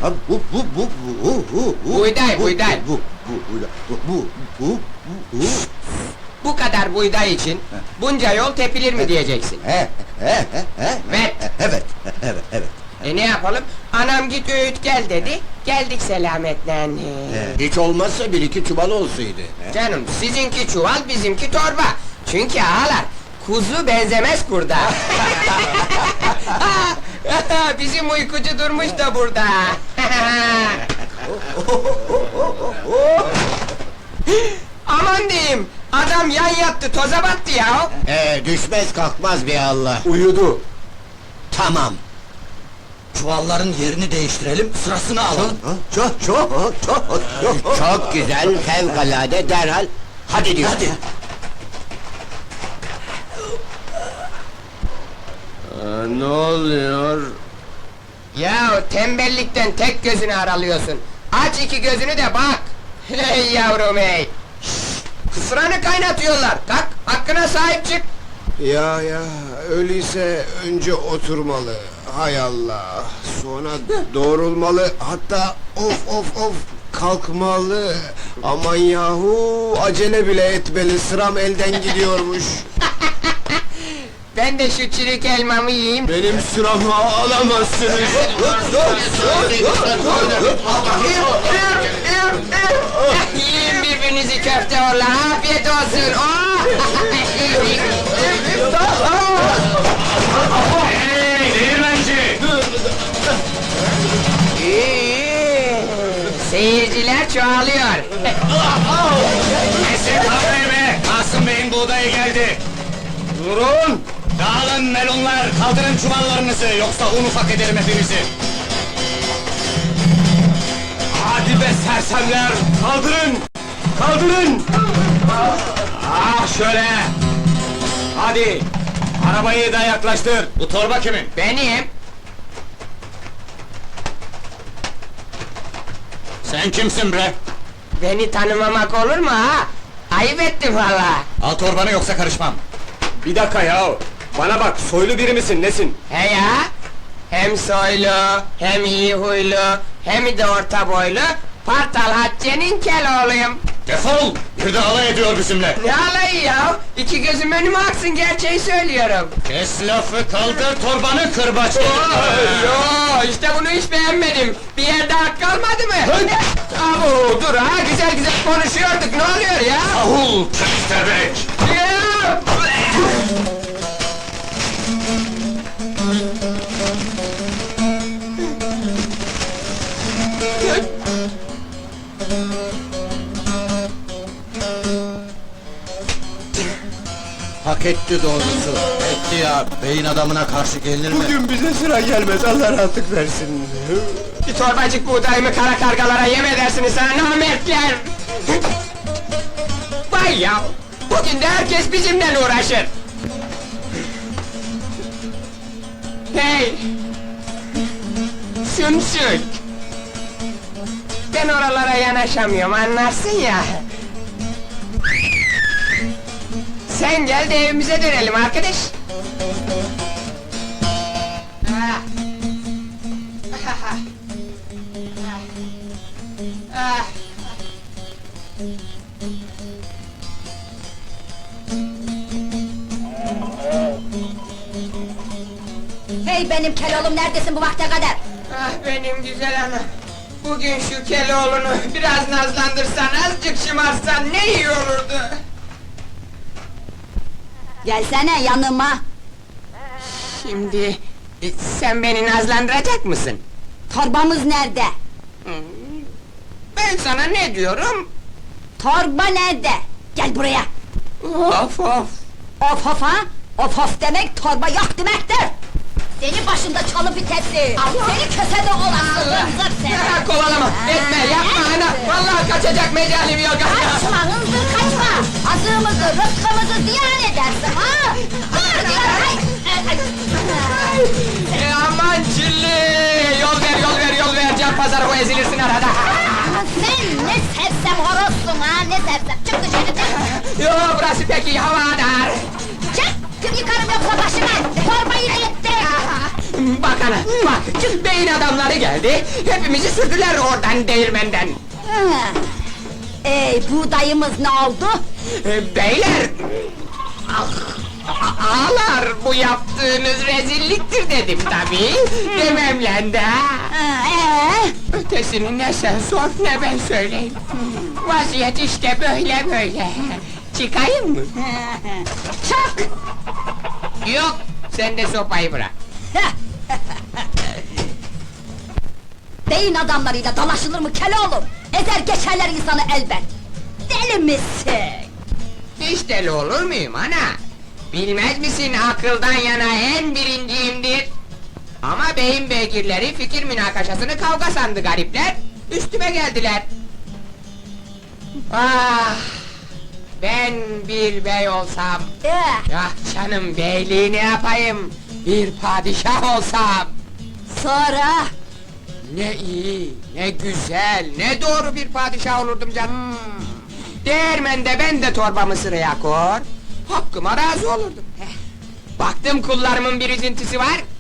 Bu kadar buğday için bunca yol tepilir mi diyeceksin? Evet. Ne yapalım? Anam git öğüt gel dedi, geldik selametle. Hiç olmazsa bir iki çuval olsaydı. Canım, sizinki çuval, bizimki torba. Çünkü ağalar, kuzu benzemez kurda. Bizim uykucu durmuş da burada. Aman diyeyim, adam yan yattı, toza battı ya. Düşmez kalkmaz bir Allah. Uyudu. Tamam. Çuvalların yerini değiştirelim, sırasını alalım. Çok güzel, fevkalade, derhal. Hadi diyor. Hadi. Ne oluyor? Ya tembellikten tek gözünü aralıyorsun. Aç iki gözünü de bak. Hey yavrum hey! Kısranı kaynatıyorlar. Kalk, hakkına sahip çık. Ya öyleyse önce oturmalı. Hay Allah. Sonra doğrulmalı. Hatta of kalkmalı. Aman yahu acele bile etmeli. Sıram elden gidiyormuş. Ben de şu çürük elmamı yiyeyim. Benim sıramı alamazsınız. Yiyin birbirinizi köfte orla, afiyet olsun. Oh! Hey, değirmenci! Seyirciler çoğalıyor. Kesin kavgayı be! Kasım Bey'in buğdayı geldi! Durun! Dağılın melonlar, kaldırın çuvallarınızı, yoksa un ufak ederim hepinizi! Hadi be sersemler, kaldırın! Kaldırın! Ah şöyle! Hadi! Arabayı da yaklaştır, bu torba kimin? Benim. Sen kimsin bre? Beni tanımamak olur mu ha? Ayıp ettim valla. Al torbanı yoksa karışmam! Bir dakika ya! Bana bak, soylu biri misin, nesin? He ya! Hem soylu, hem iyi huylu, hem de orta boylu, Partal Hatice'nin Keloğluyum. Defol! Bir de alay ediyor bizimle! Ne alayı ya? İki gözüm önüme aksın, gerçeği söylüyorum. Kes lafı, kaldır torbanı kırbaç! Yo, işte bunu hiç beğenmedim. Bir yerde hak kalmadı mı? Abo, dur ha, güzel konuşuyorduk, ne oluyor ya? Ahul, köstebek! Ya! Hak etti doğrusu. Etti ya, beyin adamına karşı gelinir mi? Bugün bize sıra gelmez. Allah rahatlık versin. Bir torbacık buğdayımı kara kargalara yem edersiniz sana namertler! Vay ya! Bugün de herkes bizimle uğraşır! Hey! Sümsük! Ben oralara yanaşamıyorum, anlarsın ya! Sen gel de evimize dönelim arkadaş! Ah. Ah. Hey benim Keloğlum, neredesin bu vakte kadar? Ah benim güzel anam! Bugün şu Keloğlu'nu biraz nazlandırsan, azıcık şımarsan ne iyi olurdu! Gelsene yanıma! Şimdi, sen beni nazlandıracak mısın? Torbamız nerede? Ben sana ne diyorum? Torba nerede? Gel buraya! Of of! Of of ha? Of of demek torba yok demektir! Seni başında çalı bitesi! Seni kösede olasın hınzır seni! Ya, kovalama, etme, yapma ana! Vallahi kaçacak mecalim yok! Kaçma hınzır kaçma! Azığımızı, rızkımızı ziyan edersin ha! Dur diyorum! Aman çilli! Yol ver! Can pazarı bu ezilirsin arada! Sen ne sersem horozsun ha, ne sersem! Çık dışarı çık! Yo, burası pek iyi havadar! Çık! Kim yıkarım yoksa başıma! Torbayı etti! Bak ana, bak! Beyin adamları geldi, hepimizi sürdüler oradan değirmenden. Ha. Buğdayımız ne oldu? Beyler! Ah, ağalar, bu yaptığınız rezilliktir dedim tabii. Dememle de. Ötesini ne sen sor ne ben söyleyeyim. Vaziyet işte böyle böyle. Çıkayım mı? Çık! Yok, sen de sopayı bırak. Beyin adamlarıyla dalaşılır mı Keloğlum? Ezer geçerler insanı elbet! Deli misin? Hiç deli olur muyum ana? Bilmez misin akıldan yana en birinciyimdir. Ama beyin beygirleri fikir münakaşasını kavga sandı garipler. Üstüme geldiler. Ah! Ben bir bey olsam, ah canım beyliği ne yapayım? Bir padişah olsam! Sonra? Ne iyi, ne güzel, ne doğru bir padişah olurdum canım! Değirmende ben de torbamı sıraya kor, hakkıma razı olurdum. Baktım kullarımın bir üzüntüsü var,